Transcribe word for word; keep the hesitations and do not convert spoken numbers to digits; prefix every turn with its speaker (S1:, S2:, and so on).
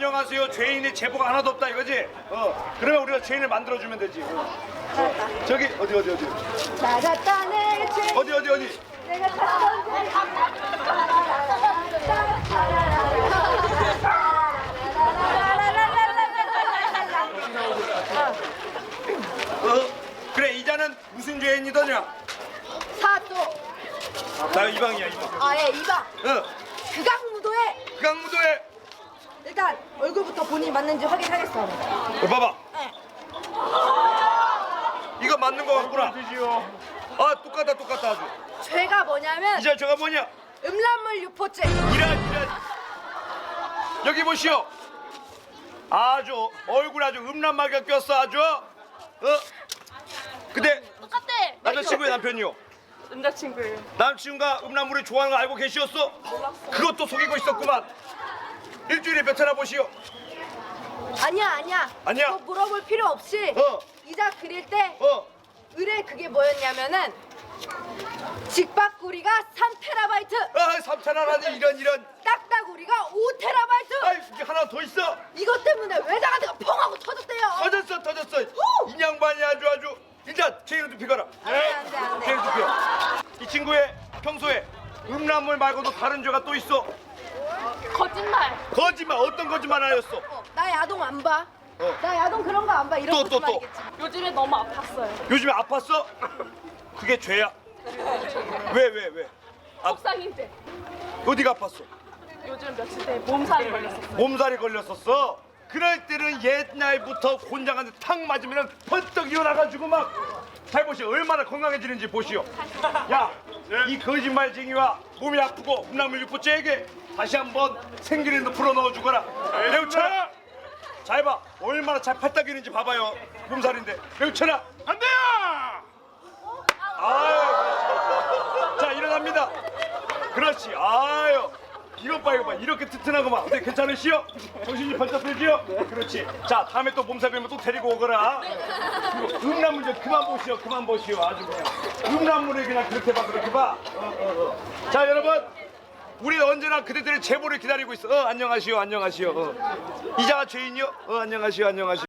S1: 안녕하세요. 죄인의 제보가 하나도 없다 이거지? 어. 그러면 우리가 죄인을 만들어주면 되지. 어. 저기 어디 어디 어디
S2: 찾았다 내 죄.
S1: 어디 어디 어디
S2: 내가 찾던
S1: 어? 그래 이자는 무슨 죄인이더냐?
S2: 사또.
S1: 나 이방이야 이방.
S2: 아예 이방.
S1: 어.
S2: 극악무도에
S1: 극악무도에
S2: 일단 얼굴부터 본인이 맞는지 확인하겠어.
S1: 어, 봐봐.
S2: 네.
S1: 이거 맞는 거 같구나. 아 똑같다 똑같다 아주.
S2: 죄가 뭐냐면
S1: 이자 저가 뭐냐?
S2: 음란물 유포죄.
S1: 이런 이런 여기 보시오. 아주 얼굴 아주 음란마귀가 꼈어 아주. 어? 근데
S3: 똑같대.
S1: 남자친구의 남편이요.
S3: 남자친구예요.
S1: 남친과 음란물을 좋아하는 거 알고 계시었어?
S3: 몰랐어.
S1: 그것도 속이고 있었구만. 일주일에 몇 차나 보시오?
S2: 아니야 아니야.
S1: 아니야?
S2: 그거 물어볼 필요 없이
S1: 어.
S2: 이자 그릴 때
S1: 어.
S2: 의뢰 그게 뭐였냐면은 직박구리가 삼 테라바이트,
S1: 아 삼 차나라니 이런 이런.
S2: 딱따구리가 오 테라바이트.
S1: 아이 이게 하나 더 있어.
S2: 이것 때문에 외장하드가 펑 하고 터졌대요.
S1: 터졌어 터졌어.
S2: 후!
S1: 이 양반이 아주 아주. 일단 죄인을 두피거라.
S2: 안 돼, 안 돼, 안 돼.
S1: 죄인 두피요. 이 친구의 평소에 음란물 말고도 다른 죄가 또 있어.
S3: 거짓말.
S1: 거짓말 어떤 거짓말 하였어?
S2: 어, 나 야동 안 봐.
S1: 어.
S2: 나 야동 그런 거 안 봐. 이런
S1: 또, 또, 또.
S2: 거짓말이겠지.
S3: 요즘에 너무 아팠어요.
S1: 요즘에 아팠어? 그게 죄야. 왜 왜 왜? 아,
S3: 속상일 때.
S1: 어디가 아팠어?
S3: 요즘 며칠 때 몸살이 걸렸었어요.
S1: 몸살이 걸렸었어. 그럴 때는 옛날부터 곤장한테 탁 맞으면 번떡 일어나가지고 막 잘 보시오. 얼마나 건강해지는지 보시오. 야, 이 거짓말쟁이와 몸이 아프고 음란물 유포죄에게 다시 한번 생기를 불어 넣어주거라. 매우 쳐라. 잘 봐. 얼마나 잘 팔딱이는지 봐봐요. 몸살인데. 매우 쳐라. 안 돼요. 아유, 자 일어납니다. 그렇지. 아유. 이것 봐, 이거 봐. 이렇게 튼튼하고만. 어때, 괜찮으시오? 정신이 번쩍 들지요? 그렇지. 자, 다음에 또 몸살 걸리면 또 데리고 오거라. 그리고 음란물 좀 그만 보시오, 그만 보시오. 아주 그냥. 음란물을 그냥 그렇게 봐, 그렇게 봐. 어, 어, 어. 자, 여러분. 우리 언제나 그대들의 제보를 기다리고 있어. 어, 안녕하시오, 안녕하시오. 어. 이자가 죄인이요? 어, 안녕하시오, 안녕하시오.